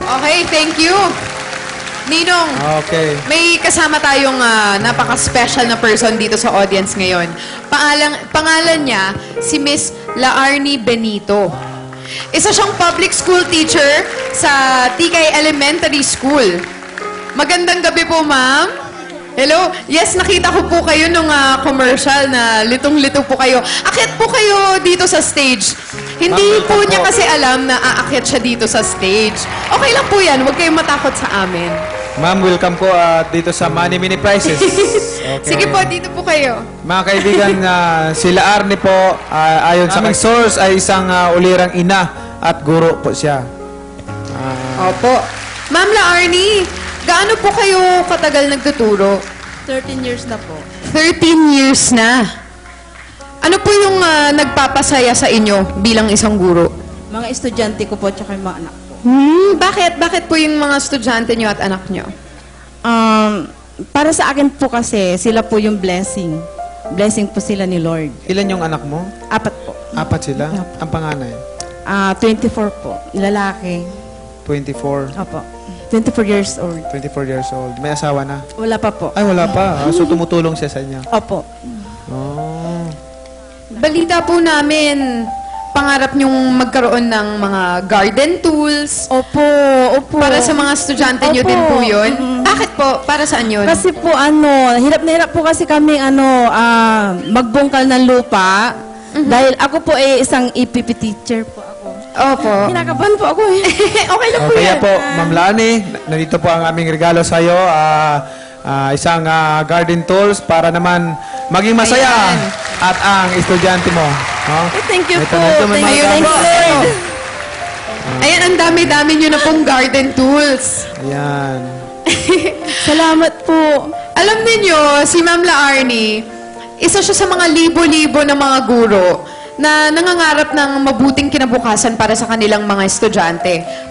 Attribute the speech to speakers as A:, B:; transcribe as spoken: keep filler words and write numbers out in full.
A: Okay, thank you. Ninong,
B: Okay.
A: may kasama tayong ah, napaka-special na person dito sa audience ngayon. Pangalan, pangalan niya, si Miss Laarni Benito. Isa siyang public school teacher sa T K Elementary School. Magandang gabi po, ma'am. Hello? Yes, nakita ko po kayo nung ah, commercial na litong-lito po kayo. Akit po kayo dito sa stage. Hindi
B: Ma'am,
A: po
B: welcome
A: niya
B: po.
A: kasi alam na aakyat siya dito sa stage. Okay lang po yan. Huwag kayong matakot sa amin.
B: Ma'am, welcome po ah, dito sa Money Mini Prizes. Okay.
A: Sige po, dito po kayo.
B: Mga kaibigan, ah, sila Arnie po, ah, ayon sa aming source, ay isang ah, ulirang ina at guro po siya. Ah,
A: Opo. Ma'am Laarni, gaano po kayo katagal nagtuturo?
C: thirteen years na po.
A: thirteen years na. Ano po yung ah, nagpapasaya sa inyo bilang isang guro?
C: Mga estudyante ko po, tsaka yung mga anak ko.
A: Hmm, bakit? Bakit po yung mga estudyante nyo at anak nyo?
C: Um, para sa akin po kasi, sila po yung blessing. Blessing po sila ni Lord.
B: ilan yung anak mo?
C: Apat po.
B: Apat sila?
C: Apo.
B: Ang panganay?
C: Ah, twenty-four po. Lalaki.
B: twenty-four.
C: Opo. twenty-four years old.
B: twenty-four years old. May asawa na?
C: Wala pa po.
B: Ay, wala pa. Ah, so, tumutulong siya sa inyo.
C: Opo.
B: Oh.
A: Balita po namin, pangarap nyong magkaroon ng mga garden tools.
C: Opo. Opo.
A: Para sa mga estudyante nyo
C: Opo.
A: din po yun.
C: Mm-mm.
A: Bakit po? Para saan yun?
C: Kasi po ano, hirap na hirap po kasi kami ano, ah, magbungkal ng lupa. Dahil ako po ay isang E P P teacher po ako.
A: Opo.
C: Kinakabahan po ako eh.
A: Okay lang
B: Oh,
A: po
B: kaya
A: yan.
B: po, Ma'am Lani, nandito po ang aming regalo sa iyo. ah, ah, isang ah, garden tools para naman maging masaya
A: Ayan.
B: at ang estudyante mo. No?
C: Eh, thank you
B: Ito
C: po.
B: na ito, may
C: Thank you,
B: mga
C: thank you,
B: gamit.
C: Lord.
A: Ayan, ang dami-dami nyo na pong garden tools.
B: Ayan.
C: Salamat po.
A: Alam niyo si Ma'am Laarni, isa siya sa mga libo-libo na mga guro na nangangarap ng mabuting kinabukasan para sa kanilang mga estudyante.